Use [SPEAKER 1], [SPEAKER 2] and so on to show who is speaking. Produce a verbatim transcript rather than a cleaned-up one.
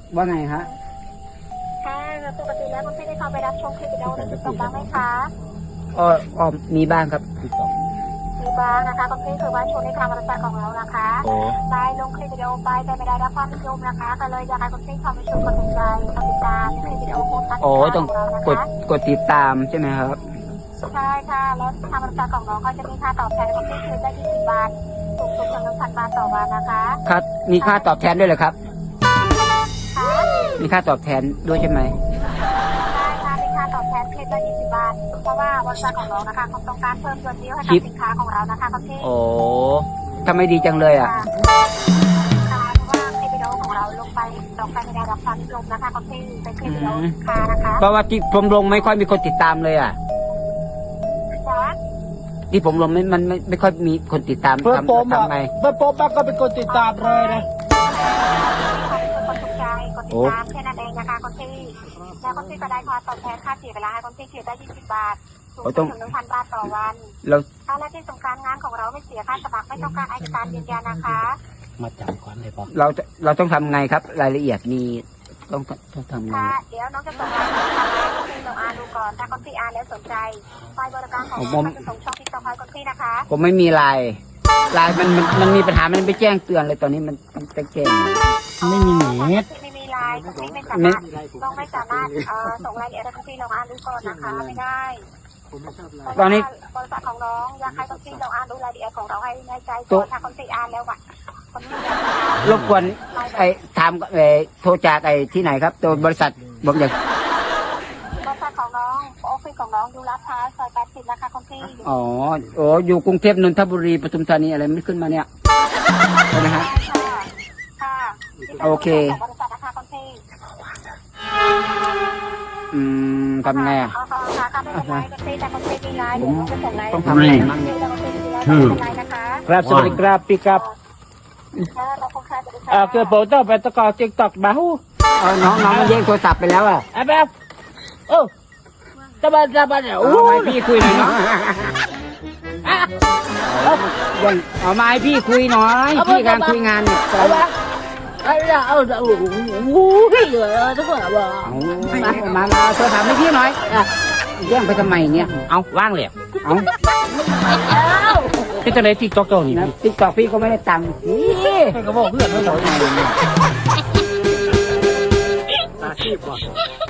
[SPEAKER 1] ว่าไงฮะ
[SPEAKER 2] ค่ะปกติแล้วคุณพี่ได้เข้าไปรับชมคลิปวิดีโอในติ๊กต็อกบ้างไหมคะ
[SPEAKER 1] อ๋ออ๋อมีบ้างครับ
[SPEAKER 2] มีบ้างนะคะคุณพี่คือว่าช่วงนี้ทางบริษัทของเรานะคะได้ลงคลิปวิดีโอไปแต่ไม่ได้รับความนิยมนะคะก็เลยอยากให้คุณพี่เข้าไปชมกดติดใจกดติดตามคลิปวิดีโอโพสต์ของเรานะคะ
[SPEAKER 1] กดกดติดตามใช่ไหมครับ
[SPEAKER 2] ใช่ค่ะแล้วทางบริษัทของเราก็จะมีค่าตอบแทนคุณพี่คือได้ยี่สิบบาทสูงสุดถึงหนึ่งพันบาทต่อวันนะคะ
[SPEAKER 1] ครับมีค่าตอบแทนด้วยเหรอครับมีค่าตอบแทนด้วยใช่ไหม
[SPEAKER 2] ใช่ค่ะมีค่าตอบแทนคลิปละยี่สิบบาทเพราะว่าบริษัทของเรานะคะเขาต้องการเพิ่มยอดวิวให้กับสินค้าของเรานะคะคุณพี่
[SPEAKER 1] โอ้ทำไมดีจังเลยอ่ะ
[SPEAKER 2] ค่ะเพราะว่าคลิปวิดีโอของเราลงไปลงไปไม่ได้รับความนิยมนะคะคุณพี่เป็นคลิปวิดีโอสินค้านะคะ
[SPEAKER 1] เพราะว่าที่ผมลงไม่ค่อยมีคนติดตามเลยอ่ะที่ผมลงไม่มันไม่ไม่ค่อยมีคนติดตาม
[SPEAKER 3] เพื่อโป๊มอ่ะ
[SPEAKER 1] ไง
[SPEAKER 3] เพื่อโป๊มก็เป็นคนติดตามเลยนะ
[SPEAKER 2] คนถูกใจคนติดตามแค่นั้นเองนะคะคนที่แล้วคนที่ก็ได้ค่าตอบแทนค่าเสียเวลาให้คนที่เสียได้ยี่สิบบาทสูงสุดถึงหนึ่งพันบาทต่อวัน
[SPEAKER 1] แล้ว
[SPEAKER 2] และที่สำคัญงานของเราไม่เสียค่าสมัครไม่ต้องการเอกสารยืนยันนะคะ
[SPEAKER 3] มาจำก่อนเลยปะ
[SPEAKER 1] เราจะเราต้องทำไงครับรายละเอียดมีต้องต้องทำไง
[SPEAKER 2] ค่ะเดี๋ยวน้องจะส่งรายละเอียดมาให้คนที่ลองอ่านดูก่อนถ้าคนที่อ่านแล้วสนใจไฟล์บริการของเราจะส่งช่องที่ต่อไปคนที่นะคะ
[SPEAKER 1] ผมไม่มีไลน์ไลน์มันมันมันมีปัญหามันไปแจ้งเตือนเลยตอนนี้มันมันไปแจ้ง
[SPEAKER 3] ไม่มีเน็ต
[SPEAKER 2] ไม่มีไลน์ไม่ไม่สามารถต้องไม่สามารถเอ่อส่งรายละเอียดให้คนที่ลองอ่านดูก่อนนะคะไม่ได้
[SPEAKER 1] ตอนนี้
[SPEAKER 2] บริษัทของน้องอยากให้คนที่ลองอ่านดูรายละเอียดของเราให้ในใจก่อนถ้าคนที่อ่านแล้วอ่ะ
[SPEAKER 1] รบกวนไอ้ถามไอ้โทรจากไอ้ที่ไหนครับตัวบริษัทผมอยาก
[SPEAKER 2] บริษัทของน้องออฟฟิศของน้องอยู่ลาดพร้าวซอยแปดสิบนะคะคนที่
[SPEAKER 1] อ๋อโอ้อยู่กรุงเทพนนทบุรีปทุมธานีอะไรไม่ขึ้นมาเนี่ยใช่ไหมฮะ
[SPEAKER 2] ค่ะ
[SPEAKER 1] โอเค
[SPEAKER 2] บริษัทนะคะคนที่
[SPEAKER 1] อืมทำไงอ่ะต้องทำอะไรมั่ง
[SPEAKER 3] ครับสวัสดีครับพี่ครับเออคือผมต้องไปตะกอติ๊กต็อกบ้าหู
[SPEAKER 1] เออน้องน้องมันแย่งโทรศัพท์ไปแล้วอ่ะ
[SPEAKER 3] ไอ้แบบโอ้ตะบันตะบันเนี่ยโอ้
[SPEAKER 1] ยพี่คุยหน่อยเนาะยังเอามาให้พี่คุยหน่อยพี่กำลังคุยงานเนี่ย
[SPEAKER 3] เอาละเอาละเอาละโอ้โหพี่เหลือทุกคนอ่ะบอก
[SPEAKER 1] มามามาโทรศัพท์ให้พี่หน่อยแย่งไปทำไมเนี่ย
[SPEAKER 3] เอาว่างเลย
[SPEAKER 1] เอา
[SPEAKER 3] พี่จะได้ติ๊กต็อกตัวนี้
[SPEAKER 1] นะติ๊กต็อกพี่ก็ไม่ได้ตังค์
[SPEAKER 3] พี่ก็บอกเพื่อนเขาบอกไงอาชีพก่อน